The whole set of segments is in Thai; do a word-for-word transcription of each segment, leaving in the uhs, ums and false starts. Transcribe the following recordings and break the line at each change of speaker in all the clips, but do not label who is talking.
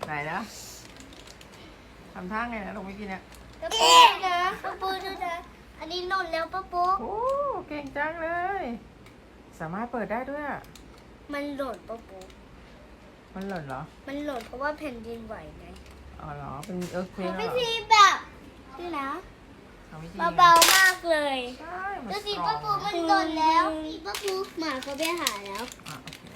ไหนนะทำท่าไงนะลงไม่กินเนี่ย
ป้าปูนะป้าปูดูนะอันนี้หล่นแล้วป้าปู
โอ้เก่งจังเลย สามารถเปิดได้ด้วยอะ
มันหล่นป้าปู
มันหล่นเหรอ
มันหล่นเพราะว่าแผ่นดินไหวไง
อ๋อเหรอเป็นเอิร์ธเควก
ทำ
เหร
วิ
อ
ธีแบบนี่นะ
ทำวิธี
เบาๆมากเลย
ใช่มัน
ดูสิ
สตร
ป้า
อง
ปูมันหล่นแล้วป้าปูหมาเขาไปหาแล้ว
อ่ะโอเค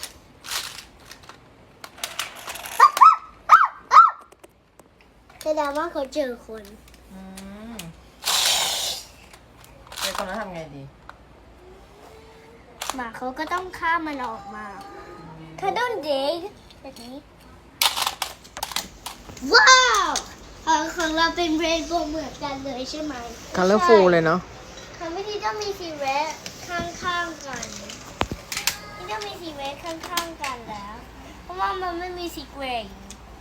แสดงว่าเขาเจอคน
อืมไอ้ตอนนั้นทำไงดี
หมาเขาก็ต้องฆ่ามันออกมาเขาต้องเด็กแบบนี้ว้าวของของเราเป็นเรนโบว์เหมือนกันเลยใช่ไหม
colorful เลยเนาะ
ทำวิธีต้องมีสีเรดข้างๆกันนี่ต้องมีสีเรดข้างๆกันแล้ว เพราะว่ามันไม่มีสีเกรย์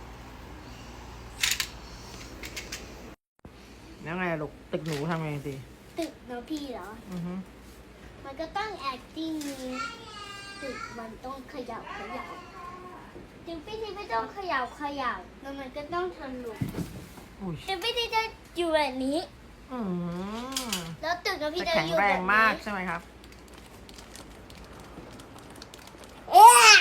แล้วไงลูกตึกหนูทำไงดี
ตึกเนาะพี่เหรอ
อือฮึ
มันก็ต้อง acting มีตึกมันต้องเขยับขยับถึงพี่ทีไม่ต้องเขยับขยับแล้วมันก็ต้องทะลุ
อุ้ย
ถึงพี่ทีจะอยู่แบบนี้
อืม
แล้วตึกเนาะพี่
จะ
จะ
แข็ง
อยู่
แร
แบบ
ง
นี้
มากใช่ไหมครับ
เอ๊ะ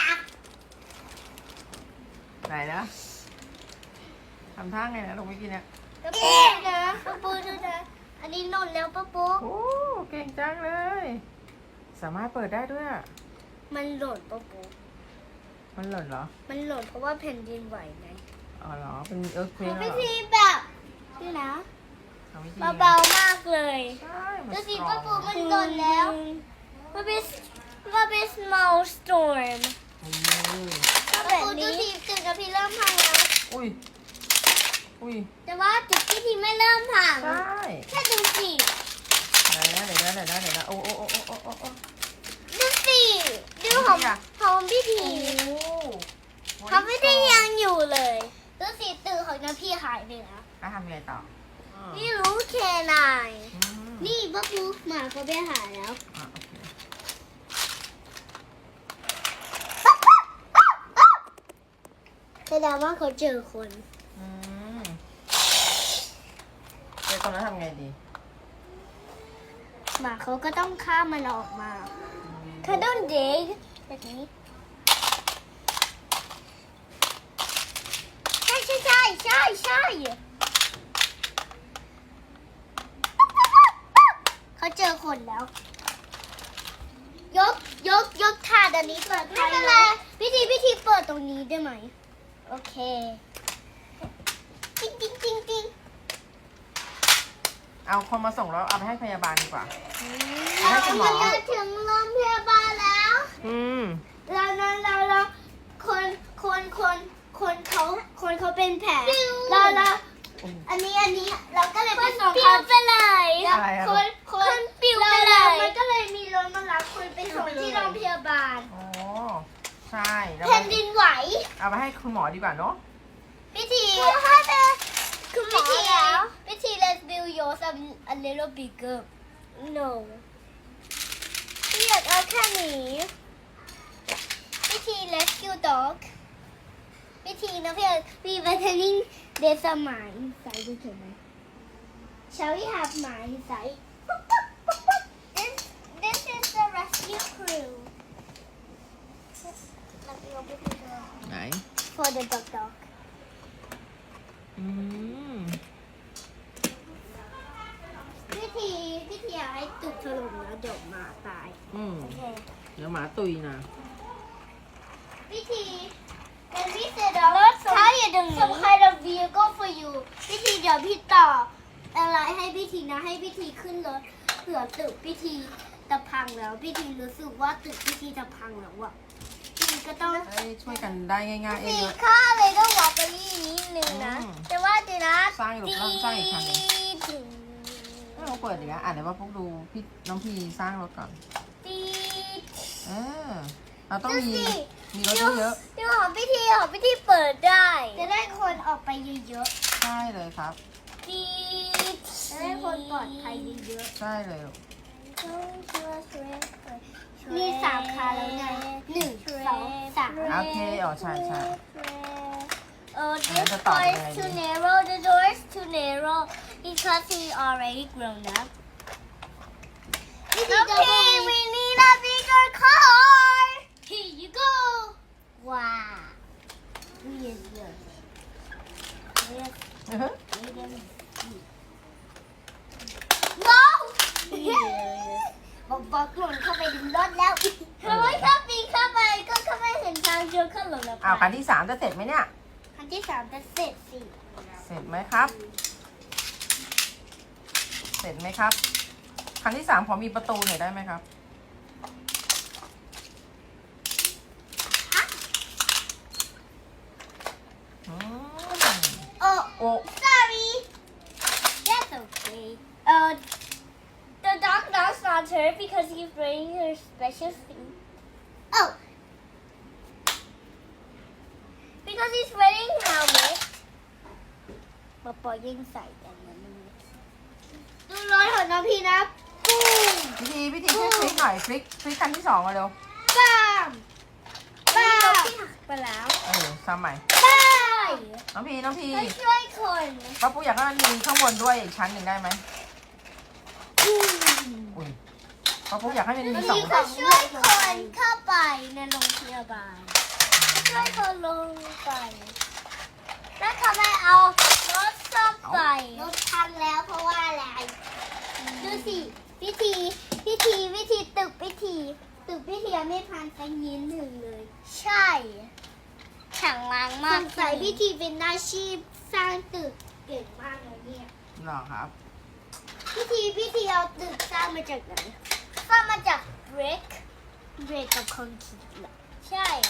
ไหนนะทำท่าไงนะลงไม่กินเนี่ย
ป้าปูนะป้าปูดูนะอันนี้หล่นแล้วป้าปู
โอ้เก่งจังเลย สามารถเปิดได้ด้วยอะ
มันหล่นป้าปู
มันหล่นเหรอ
มันหล่นเพราะว่าแผ่นดินไหวไง
อ๋อเหรอเป็นเอิร์ธเควก
ทำ
เหร
วิ
อ
ธีแบบนี่นะ
ทำวิธี
เบาๆมากเลย
ใช่มัน
ดู
ส
สิ
ตรอ
ป้าง ปูมันหล่นแล้วว่าเป็นว่าเป็น small storm
อืม
ก็แบบนี้ดูสิตึกกับพี่เริ่มพังแล้ว
อุ้ยอุ้ย
แต่ว่าตึกพี่ทีไม่เริ่มพัง
ใช่
แค่ดูสิ
ไหนนะไหนนะไหนนะไหนนะโอ้โอ้โอ้โอ้โอ้โอ้โอ้
ดูสิดูของของพี่ที
โอ้
ของพี่ทียังอยู่เลยดูสิตึกของน้าพี่หายไปแล้ว
แล้วทำยังไงต่ออ่า
นี่รู้แค่ไหน
อืม
นี่ป้าปูหมาเขาไปหาแล้ว
อ่ะโอเค
แสดงว่าเขาเจอคน
อืมไอ้ตอนนั้นทำไงดี
หมาเขาก็ต้องฆ่ามันออกมาเขาต้องเด็กแบบนี้ใช่ใช่ใช่ใช่ใช่เขาเจอคนแล้ว ยกยกยกถาดอันนี้เปิดไม่เป็นไรพิธีพิธีเปิดตรงนี้ได้ไหมโอเคจริงจริงจริงจริง
เอาคนมาส่งแล้วเอาไปให้พยาบาลดีกว่า
เรา
ให้คุณหมอ
จะถึงโรงพยาบาลแล้ว
อืม
เราเราเราเราคนคนคนคนเขาคนเขาเป็นแผลเราเราอันนี้อันนี้เราก็เลยไปส่งเขาไปเลย
อะไรอะ
คนคนปิวไปเลยมันก็เลยมีรถมารับคนไปส่งที่โรงพยาบาล
โอ้ใช่แล้ว
แผ่นดินไหว
เอาไปให้คุณหมอดีกว่าเนาะ
พิธีคุณหมอแล้วพิธี let's build yours a, a little bigger no พี่อยากเอาแค่นี้พิธี rescue dog พิธีนะพี่พี่ vetering there's a mine inside ดูเห็นไหม shall we have mine inside this this is the rescue crew Let me open the door
ไหน
for the dog dog
อืม
พิธีพิธีอยากให้ตึกถล่มแล้วเดี๋ยวหมาตาย
อืม
โอเค
เดี๋ยวหมาตุยนะ
พิธี Then we said uh, some, some kind of vehicle for you พิธีเดี๋ยวพี่ต่ออะไรให้พิธีนะให้พิธีขึ้นรถเผื่อตึกพิธีจะพังแล้วพิธีรู้สึกว่าตึกพิธีจะพังแล้วอะพิธีก็ต้อง
ให้ช่วยกันได้ง่ายๆเอ
พิ
ง
ธี
เลย
ค่าเลยต้องวอลไปนิดนึงนะ
อืม
แต่ว่าเดี๋ยวนะ
สร้างอีกหรือสร้างอีกครั้งหนึ่ง
ตี
ให้เราเปิดอีกแล้วอ่ะเดี๋ยวว่าพวกดูพี่น้องพีสร้างรถก่อน
ตี
เออเราต้องมี
ดูสิ
มีรถเยอะ
ดูของพิธีของพิธีเปิดได้ จะได้คนออกไปเยอะ
ๆใช่เลยครับ
ๆตีจะได้คนปลอดภัยเยอะ
ใช่เลยลูก
ๆมีสามคันแล้วไงหนึ่งสองสาม
โอเคอ๋อใช่ใช่
โอ Oh,
And
this
the top
door is
already.
too narrow. The door is too narrow because he's already grown up. Okay, we need a bigger car. Here you go. Wow. Yes, yes. Yes,
อือฮึ
no. Yes. บอกบอกหล่นเข้าไปในรถแล้วทำไมถ้าปีนเข้าไปก็เข้าไม่เห็นทางเดินเข้าหล่นแล้ว
อ้าวคันที่สามจะเสร็จไหมเนี่ย
คันที่สามจะเสร็จสิ
เสร็จไหมครับ เสร็จไหมครับ คันที่สามขอมีประตูหน่อยได้ไหมครับอืม
โอ้
โอ้
sorry that's okay uh the dog does not hurt because he's wearing her special thing oh because he's wearing helmet ปอปอยิ่งใส่กันนะดูรถของน้องพี่นะปุ้ม
พิธีพิธีช่วยพลิกหน่อยพลิกพลิกคันที่สองมาเร็ว
บ้ามบ้ามไปแล้ว
เออทำใหม่
บ้า
น้องพีน้องพี
ไปช่วยคน
ป้าปุ๊อยากให้มันมีข้างบนด้วยอีกชั้นหนึ่งได้ไหม
อืม
อุ้ยป้าปุ๊อยากให้มันมี
วัน
สอง
นี้ก็ช่วยคนเข้าไปในโรงพยาบาลช่วยคนลงไปแล้วทำไมเอารถซ่อมไปรถพังแล้วเพราะว่าอะไรดูสิพิธีพิธีวิธีตึกพิธีตึกพิธีไม่พังสักนิดหนึ่งเลย ใช่แข็งแรงมากสงสัยพิธีเป็นอาชีพสร้างตึกเก่งมากเลยเนี่ย
เหรอครับ
พิธีพิธีเอาตึกสร้างมาจากไหนสร้างมาจาก brick brick กับคอนกรีตเหรอใช่